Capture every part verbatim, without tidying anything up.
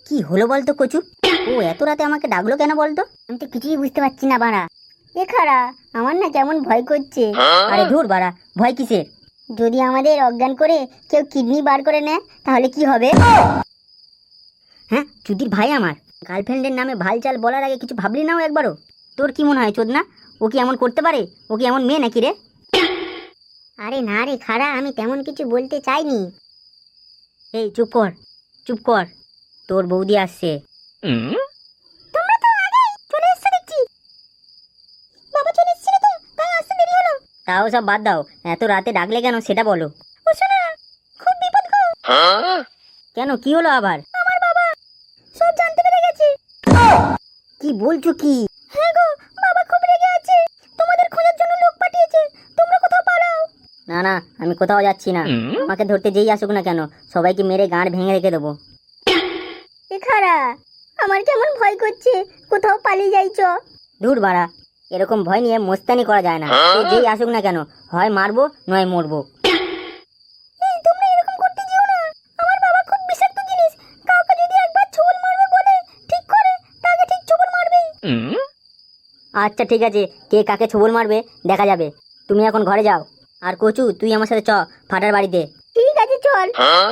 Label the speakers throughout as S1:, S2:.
S1: কি হলো বলতো কচু? ও এত রাতে আমাকে ডাকলো কেন বলতো? আমি তো কিছুই বুঝতে পারছি না বাড়া। এ খাড়া, আমার না কেমন ভয় করছে। আরে ধুর বাড়া, ভয় কিসের? যদি আমাদের অজ্ঞান করে কেউ কিডনি বার করে নেয় তাহলে কি হবে? হ্যাঁ, চুদির ভাই আমার গার্লফ্রেন্ডের নামে ভালচাল বলার আগে কিছু ভাবলি নাও একবারও? তোর কি মনে হয় চোদনা, ও কি এমন করতে পারে? ও কি এমন মেয়ে নাকি রে? আরে না রে খাড়া, আমি তেমন কিছু বলতে চাইনি। এই চুপ কর, চুপ কর, তোর বৌদি আসছে। তোমরা তো আগেই চলে এসেছো দেখছি। বাবা চলে এসেছিল তো, তাই আসতে দেরি হলো। তাও সব বাদ দাও, এত রাতে ডাকলে কেন সেটা বলো। ও শোনা, খুব বিপদ গো। কেন, কি হলো আবার? আমার বাবা সব জানতে পেরে গেছে। কি বলছো কি? হ্যাঁ গো, বাবা খুব রেগে আছে, তোমাদের খোঁজার জন্য লোক পাঠিয়েছে, তোমরা কোথাও পালাও। না না, আমি কোথাও যাচ্ছি না। আমাকে ধরতে যেই আসুক না কেন, সবাইকে মেরে গাঁড় ভেঙে রেখে দেবো। এ খাড়া, আমার কেমন ভয় করছে, কোথাও পালিয়ে যাইছো। দূর বাড়া, এরকম ভয় নিয়ে মোস্তানি করা যায় না। সে যেই আসুক না কেন, হয় মারবো নয় মরবো। এই তোমরা এরকম করতে যেও না, আমার বাবা খুব বিষাক্ত জিনিস, কাউকে যদি একবার ছোবল মারবে বলে ঠিক করে, তাকে ঠিক ছোবল মারবে। আচ্ছা ঠিক আছে, কে কাকে ছোবল মারবে দেখা যাবে। তুমি এখন ঘরে যাও, আর কচু তুই আমার সাথে চ ফাটার বাড়িতে। ঠিক আছে চল।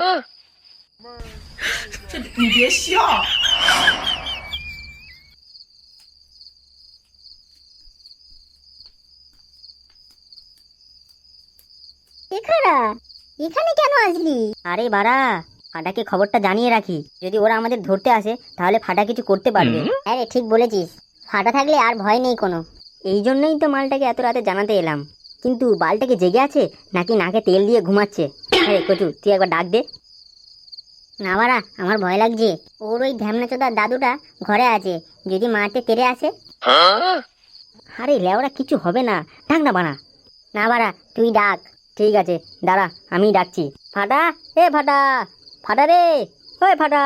S2: 你别笑。
S1: এখানা, এখানে কেন আসলি? আরে বাড়া, ফাটাকে খবরটা জানিয়ে রাখি, যদি ওরা আমাদের ধরতে আসে তাহলে ফাটা কিছু করতে পারবে। আরে ঠিক বলেছিস, ফাটা থাকলে আর ভয় নেই কোনো। এই জন্যই তো মালটাকে এত রাতে জানাতে এলাম। কিন্তু বালটাকে জেগে আছে নাকি নাকে তেল দিয়ে ঘুমাচ্ছে? আরে কচু তুই একবার ডাক দে না। বাড়া, আমার ভয় লাগছে। ওর ওই ধ্যামনাচোদার দাদুটা ঘরে আছে, যদি মারতে তেরে আসে। আরে লেওরা কিছু হবে না, ডাক না বাড়া। না বাড়া, তুই ডাক। ঠিক আছে দাঁড়া, আমি ডাকছি। ফাটা, এ ফাটা, ফাটা রে, ওই ফাটা।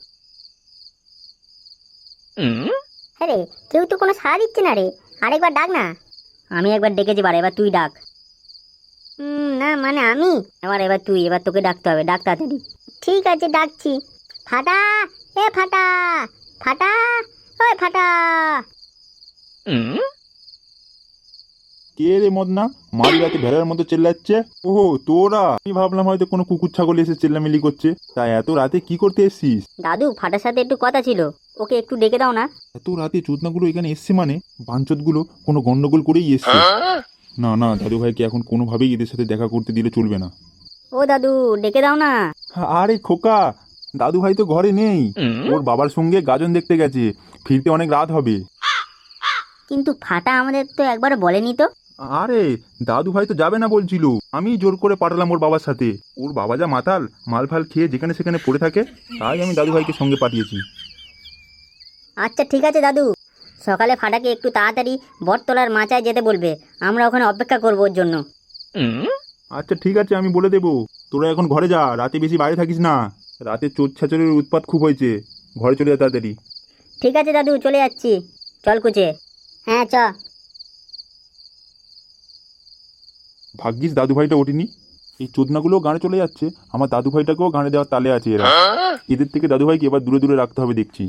S1: আরে কেউ তো কোনো সাড়া দিচ্ছে না রে, আরেকবার ডাক না। আমি একবার ডেকেছি বাড়া, এবার তুই ডাক। হুম না মানে আমি, এবার এবার তুই, এবার তোকে ডাকতে হবে, ডাক তাড়াতাড়ি। ঠিক আছে ডাকছি। ফাটা, এ ফাটা, ফাটা, ওই ফাটা।
S3: কে রে মদনা, মাঝ রাতে ভেড়ার মতো চেল্লাচ্ছে? ওহো তোরা, আমি ভাবলাম হয়তো কোনো কুকুর ছাগল এসে চেল্লামিলি করছে। তাই এত রাতে কি করতে এসছিস?
S1: দাদু, ফাটার সাথে একটু কথা ছিল, ওকে একটু ডেকে দাও না।
S3: এত রাতে চোদনাগুলো এখানে এসছে মানে বাঞ্চতগুলো কোনো গন্ডগোল করেই এসছে। না না, দাদু ভাইকে এখন কোনোভাবেই এদের সাথে দেখা করতে দিলে চলবে না।
S1: ও দাদু, ডেকে দাও না।
S3: আরে খোকা, দাদু ভাই তো ঘরে নেই, ওর বাবার সঙ্গে গাজন দেখতে গেছে, ফিরতে অনেক রাত হবে।
S1: কিন্তু ফাটা আমাদের তো একবার বলেনি তো।
S3: আরে দাদু ভাই তো যাবে না বলছিল, আমি জোর করে পাঠালাম ওর বাবার সাথে। ওর বাবা যা মাতাল, মাল ফাল খেয়ে যেখানে সেখানে পড়ে থাকে, তাই আমি দাদু ভাইকে সঙ্গে পাঠিয়েছি।
S1: আচ্ছা ঠিক আছে দাদু, সকালে ফাটাকে একটু তাড়াতাড়ি বটতলার মাচায় যেতে বলবে, আমরা ওখানে অপেক্ষা করবো ওর জন্য।
S3: আচ্ছা ঠিক আছে, আমি বলে দেবো। তোরা এখন ঘরে যা, রাতে বেশি বাইরে থাকিস না, রাতে চোর ছাচরের উৎপাত খুব হয়েছে, ঘরে চলে যা তাড়াতাড়ি।
S1: ঠিক আছে দাদু, চলে যাচ্ছি। চল কুচে। হ্যাঁ চ।
S3: ভাগ্যিস দাদু ভাইটা ওঠেনি, এই চোদনাগুলো গানে চলে যাচ্ছে, আমার দাদু ভাইটাকেও গানে দেওয়ার তালে আছে এরা। এদের থেকে দাদু ভাইকে এবার দূরে দূরে রাখতে হবে দেখছি।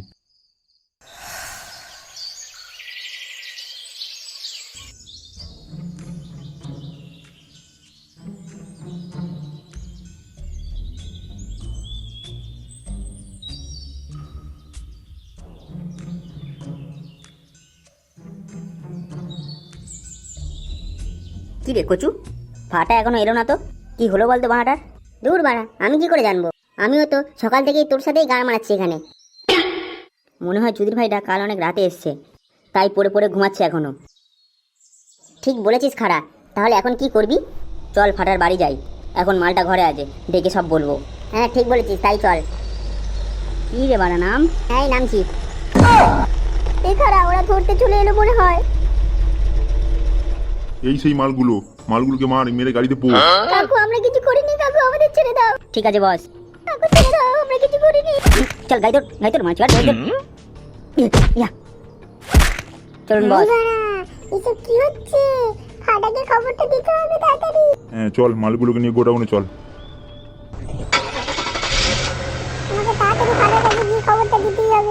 S1: কি রে কচু, ফাটা এখনো এলো না তো? কি হলো বলতো বাড়াটার? দূর বাড়া, আমি কি করে জানবো? আমিও তো সকাল থেকেই তোর সাথেই গান মারাচ্ছি এখানে। মনে হয় চুদির ভাইটা কাল অনেক রাতে এসছে, তাই পড়ে পড়ে ঘুমাচ্ছে এখনো। ঠিক বলেছিস খাড়া, তাহলে এখন কি করবি? চল ফাটার বাড়ি যাই, এখন মালটা ঘরে আছে, ডেকে সব বলবো। হ্যাঁ ঠিক বলেছিস, তাই চল। কি রে বাড়া, নাম? হ্যাঁ নামছি। এ খাড়া, ওরা ধরতে চলে এলো মনে হয়।
S3: এই সেই মালগুলো, মালগুলোকে মার, মেরে গাড়িতে পো।
S1: কাকু আমরা কিছু করিনি, কাকু আমাদের ছেড়ে দাও। ঠিক আছে বস। কাকু ছেড়ে দাও, আমরা কিছু করিনি। চল গাইদর, গাইদর মাছ গাইদর। ইয়া চলুন বস। এসব কি হচ্ছে? ফাটাকে খবরটা দিতে হবে তাড়াতাড়ি।
S3: হ্যাঁ চল, মালগুলোকে নিয়ে গোডাউনে চল।
S1: আমাকে তাড়াতাড়ি ফাটার কাছে গিয়ে খবরটা দিতেই হবে।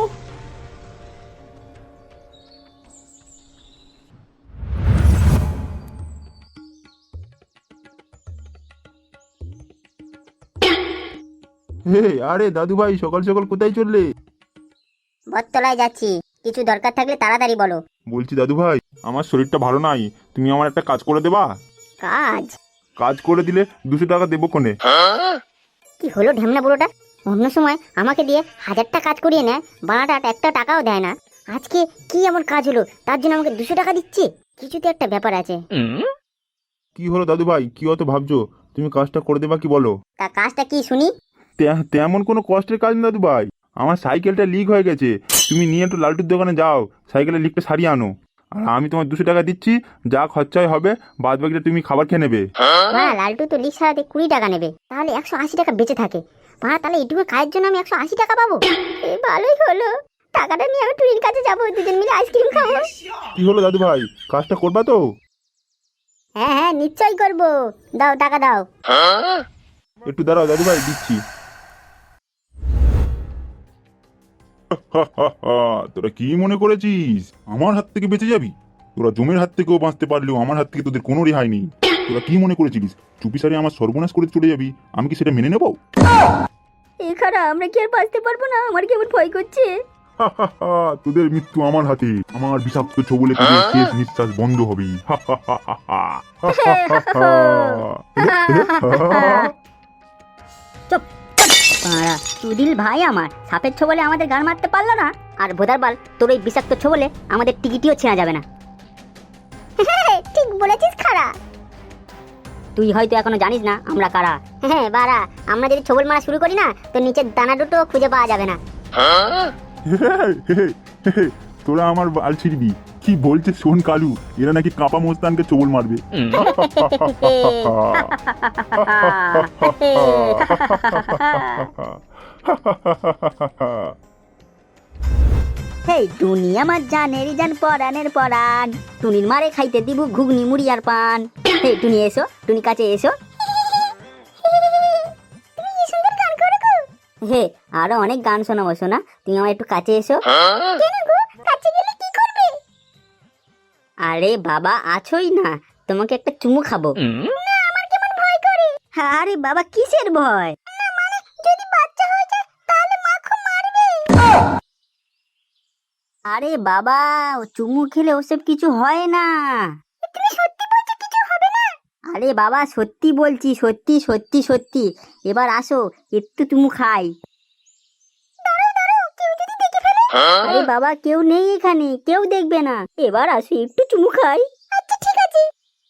S3: হে আরে দাদু ভাই, সকাল সকাল কোথায় চললে?
S1: বটতলায় যাচ্ছি, কিছু দরকার থাকলে তাড়াতাড়ি বলো।
S3: বলছি দাদু ভাই, আমার শরীরটা ভালো নাই, তুমি আমার একটা কাজ করে দেবা?
S1: কাজ?
S3: কাজ করে দিলে দুশো টাকা দেবো কোনে।
S1: কি হলো ঢেমনা বুড়োটা, অন্য সময় আমাকে দিয়ে হাজারটা কাজ করিয়ে নেয়, বানাটা একটা টাকাও দেয় না। আজকে কি এমন কাজ হলো তার জন্য আমাকে দুশো টাকা দিচ্ছে? কিছু তো একটা ব্যাপার আছে।
S3: কি হলো দাদু ভাই, কি অত ভাবছো? তুমি কাজটা করে দেবা কি বলো?
S1: তা কাজটা কি শুনি?
S3: তে- তেমন কোনো কষ্টের কাজ না দাদু ভাই, আমার সাইকেলটা লিক হয়ে গেছে, তুমি নিয়ে একটু লালটুর দোকানে যাও, সাইকেলের লিকটা সারিয়ে আনো, আর আমি তোমার দুশো টাকা দিচ্ছি, যা খরচায় হবে বাদ বাকিটা তুমি খাবার খেয়ে নেবে।
S1: হ্যাঁ, লালটু তো লিক সারাতে কুড়ি টাকা নেবে, তাহলে একশো আশি টাকা বেঁচে থাকে। হ্যাঁ, তাহলে এইটুকু কাজের জন্য আমি একশো আশি টাকা পাবো। এ ভালোই হলো, টাকাটা নিয়ে আমি টুরির কাছে যাবো, দুজন মিলে আইসক্রিম খাবো।
S3: কি হলো দাদু ভাই, কাজটা করবা তো?
S1: হ্যাঁ হ্যাঁ, নিশ্চয়ই করবো, দাও টাকা দাও।
S3: একটু দাঁড়াও দাদু ভাই, দিচ্ছি। তোরা কি মনে করেছিস আমার হাত থেকে বেঁচে যাবি? তোরা জমের হাত থেকেও বাঁচতে পারলেও আমার হাত থেকে তোদের কোনো রেহাই নেই। তোরা কি মনে করেছিলিস চুপি সারে আমার সর্বনাশ করে চলে যাবি, আমি কি সেটা মেনে নেবো?
S1: এখানে আমরা কি আর বাঁচতে পারবো না? আমার কেমন ভয় করছে।
S3: তোদের মৃত্যু আমার হাতে, আমার বিষাক্ত ছবলে তোদের শেষ নিঃশ্বাস বন্ধ হবে।
S1: চুপ পাড়া, সুদিল ভাই আমার সাপের ছোবলে আমাদের গান মারতে পারলো না, আর ভোদারবাল তোর ওই বিষাক্ত ছোবলে আমাদের টিকিটিও ছেঁড়া যাবে না। ঠিক বলেছিস খাড়া। তুই হয়তো এখনো জানিস না আমরা কারা। হ্যাঁ বাড়া, আমরা যদি ছোবল মারা শুরু করি না তো নিচের দানা দুটো খুঁজে পাওয়া যাবে না।
S3: তোরা আমার বাল ছিড়বি, কি বলছে শোন কালু, এরা নাকি কাপা মোস্তানকে চোবল মারবে।
S1: হেই টুনি আমার জানের জান পরানের পরান, টুনির মারে খাইতে দিব ঘুগনি মুড়ি আর পান। হেই টুনি এসো, টুনি কাছে এসো। হে আরো অনেক গান শোনাবো শোনা, তুমি আমার একটু কাছে এসো। আরে বাবা আছোই না, তোমাকে একটা চুমু খাবো। আরে বাবা কিসের ভয়? আরে বাবা, ও চুমু খেলে ওসব কিছু হয় না। আরে বাবা সত্যি বলছি, সত্যি সত্যি সত্যি। এবার আসো একটু চুমু খাই। আরে বাবা কেউ নেই এখানে, কেউ দেখবে না, এবার আসো একটু চুমু খাই। আচ্ছা ঠিক আছে।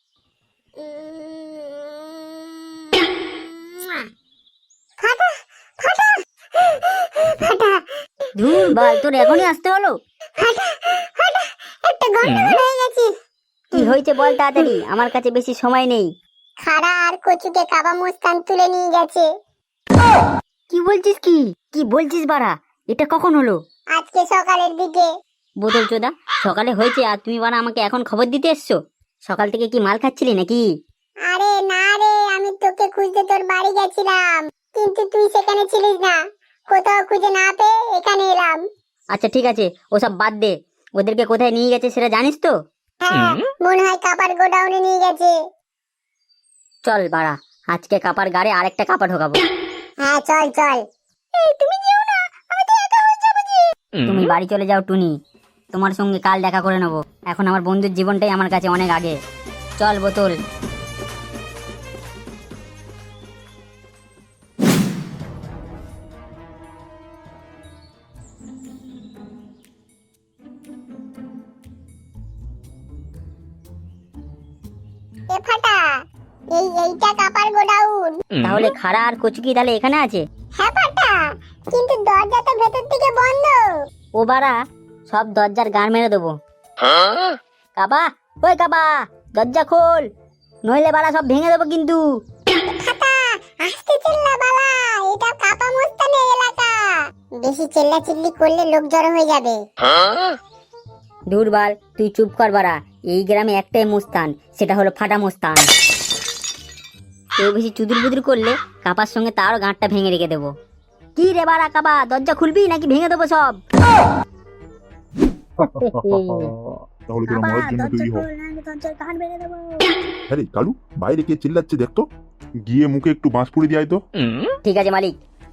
S1: ধুর বল, তোর এখনই আসতে হলো? কি হয়েছে বল তাড়াতাড়ি, আমার কাছে বেশি সময় নেই।
S2: খাড়া আর কচুকে কাবা মুস্তান তুলে নিয়ে গেছে।
S1: কি বলছিস? কি কি বলছিস বাড়া, এটা কখন হলো?
S2: আজকে সকালের দিকে।
S1: বোতল চোদা, সকালে হয়েছে আর তুমি বাড়া আমাকে এখন খবর দিতে এসছো? সকাল থেকে কি মাল খাচ্ছিলি নাকি?
S2: আরে না রে, আমি তোকে খুঁজতে তোর বাড়ি গেছিলাম, কিন্তু তুই সেখানে ছিলিস না, কোথাও খুঁজে না পেয়ে এখানে এলাম।
S1: আচ্ছা ঠিক আছে, ওসব বাদ দে, ওদেরকে কোথায় নিয়ে গেছে সেটা জানিস তো?
S2: হ্যাঁ, মনে হয় কাপার গোডাউনে নিয়ে গেছে।
S1: চল বাড়া, আজকে কাপার গাড়ে আরেকটা কাপা ঢোকাবো।
S2: হ্যাঁ চল চল। এই তুমি যেও না, আমি তো একা হয়ে যাবো যে।
S1: তুমি বাড়ি চলে যাও টুনি, তোমার সঙ্গে কাল দেখা করে নেবো, এখন আমার বন্ধুর জীবনটাই আমার কাছে অনেক আগে। চল বোতল।
S2: এ ফাটা, এই এইটা কাপার গোডাউন।
S1: তাহলে খাড়া আর কচুকি তাহলে এখানে আছে?
S2: হ্যাঁ ফাটা, কিন্তু দরজা তো ভেতর থেকে বন্ধ।
S1: ও বাড়া, সব দরজার গান মেরে দেবো। কাবা, ওই কাবা, দরজা খোল, নইলে বাড়া সব ভেঙে দেবো কিন্তু।
S2: ফাটা, আস্তে চিল্লা বালা, এটা কাপা মুস্তানের এলাকা, বেশি চিল্লা চিল্লি করলে লোক জড়ো হয়ে যাবে।
S1: দুর্বাল, তুই চুপ কর বাড়া, এই গ্রামে একটাই মুস্তান, সেটা হলো ফাটা মুস্তান। কেউ বেশি চুদুর বুদুর করলে কাপার সঙ্গে তারও গাঁটটা ভেঙে রেখে দেবো। কি রে বাড়া কাবা, দরজা খুলবি নাকি ভেঙে দেবো সব?
S3: তাহলে তোরা মরার জন্য তৈরি হ।
S1: দরজার কান ভেঙে দেবো।
S3: আরে কালু, বাইরে কে চিল্লাচ্ছে দেখ তো, গিয়ে মুখে একটু বাঁশ পুড়ে দিয়ে আয় তো।
S1: ঠিক আছে মালিক।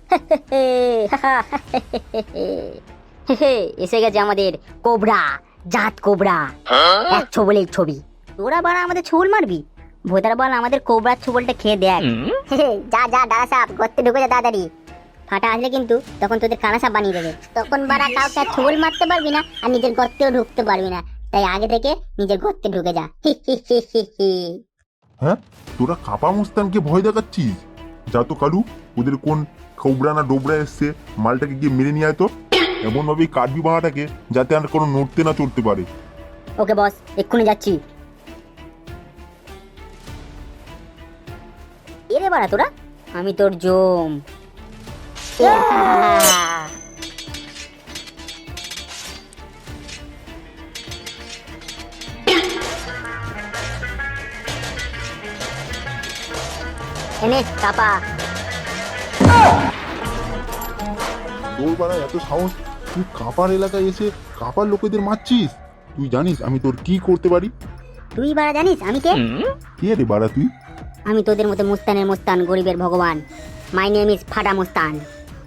S1: এসে গেছে আমাদের কোবরা, জাত কোবরা, এক ছোবলের ছবি। তোরা বাড়া আমাদের ছোবল মারবি? ভোদার বল আমাদের কোবরার ছোবলটা খেয়ে দেখ। যা যা ডালা সাপ, গর্তে ঢুকে যা তাড়াতাড়ি। ফাটা আসলে কিন্তু তখন তোদের কানা সাপ বানিয়ে দেবে। তখন বাড়া কাউকে আর ছোবল মারতে পারবি না, আর নিজের গর্তেও ঢুকতে পারবি না। তাই আগে থেকে নিজের গর্তে ঢুকে যা।
S3: হ্যাঁ, তোরা কাপা মুস্তানকে ভয় দেখাচ্ছিস? যা তো কালু, ওদের কোন খৌবরা না ডোবরা এসছে, মালটাকে গিয়ে মেরে নিয়ে আয় তো। এমন ভাবেই কাটবি বাঁটাকে যাতে আর কোনো নড়তে না চড়তে পারে।
S1: ওকে বস, এক্ষুনি যাচ্ছি। এরে বাড়া তোরা, আমি তোর জম। এনে কাপা।
S3: তোর বাড়া এত সাহস, তুই কাপার এলাকায় এসে কাপার লোকেদের মারছিস? তুই জানিস আমি তোর কি করতে পারি?
S1: তুই বাড়া জানিস আমি কে?
S3: কে রে বাড়া তুই?
S1: আমি তোদের মতো মুস্তানের মুস্তান, গরিবের ভগবান। মাই নেম ইজ ফাটা মুস্তান।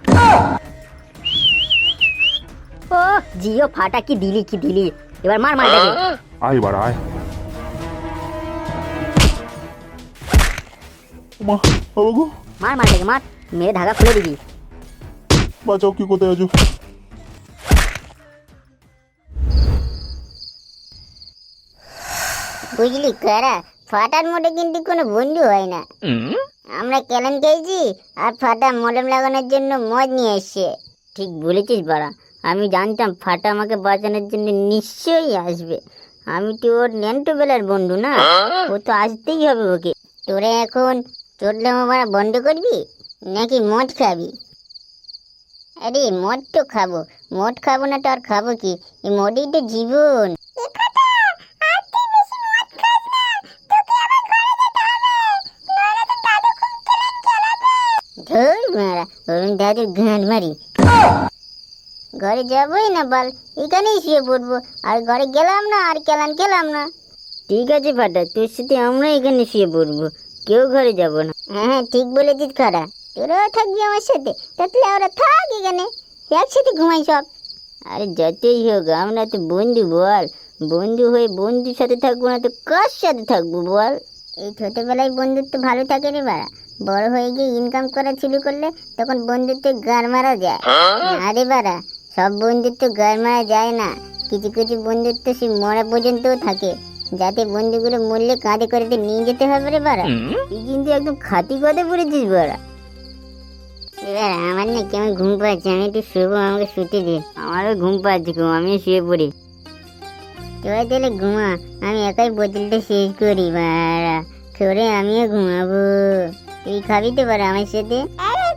S1: ও জিও ফাটা, কি দিলি কি দিলি, এবার মার মার দেখে।
S3: আয় বাড়া আয়। মা বাবা গো,
S1: মার মার দেখে মার, মেরে ধাগা খুলে দিবি।
S3: বাঁচাও, কি কোথায় আছো?
S2: বুঝলি কারা, ফাটার মোড়ে কিন্তু কোনো বন্ধু হয় না। আমরা কেলেন খেয়েছি, আর ফাটা মলম লাগানোর জন্য মদ নিয়ে এসছে।
S1: ঠিক বলেছিস বাড়া, আমি জানতাম ফাটা আমাকে বাঁচানোর জন্য নিশ্চয়ই আসবে। আমি তো ওর ন্যান্টো বেলার বন্ধু না, ও তো আসতেই হবে ওকে।
S2: তোরা এখন চোদলাম মারা বন্ধ করবি নাকি মদ খাবি? আরে মদ তো খাবো, মদ খাবো না তো আর খাবো কি? এই মদই তো জীবন। ধুর মারা, অরুণ দাদুর গান মারি। ঘরে যাবোই না বল, এখানেই শুয়ে পড়বো। আর ঘরে গেলাম না, আর কেলান খেলাম না।
S1: ঠিক আছে ফাটা, তোর সাথে আমরা এখানে শুয়ে পড়বো, কেউ ঘরে যাব না।
S2: হ্যাঁ ঠিক বলেছিস খারা, তোরাও থাকবি আমার সাথে। তাহলে ওরা থাক এখানে, একসাথে ঘুমাই সব।
S1: আরে যতই হোক আমরা তো বন্ধু বল, বন্ধু হয়ে বন্ধুর সাথে থাকবো না তো কার সাথে থাকবো বল?
S2: এই ছোটবেলায় বন্ধুত্ব ভালো থাকে রে বাড়া, বড় হয়ে গিয়ে ইনকাম করা শুরু করলে তখন বন্ধুত্বে গার মারা যায়। আরে বাড়া, সব বন্ধুত্ব গার মারা যায় না। কিছু কিছু বন্ধুত্ব সে মরা পর্যন্তও থাকে, যাতে বন্ধুগুলো মরলে কাঁধে করে নিয়ে যেতে হবে রে বাড়া।
S1: তুই কিন্তু একদম খাঁটি কথা বলেছিস বাড়া।
S2: এবার আমার না কেমন ঘুম পাচ্ছে, আমি একটু শুবো, আমাকে শুতে দে।
S1: আমারও ঘুম পাচ্ছে, ঘুম, আমিও শুয়ে পড়ি।
S2: তোরা তাহলে ঘুমা, আমি একাই বোতলটা শেষ করি বাড়া, করে আমিও ঘুমাবো। তুই খাবি তো বাড়া আমার সাথে?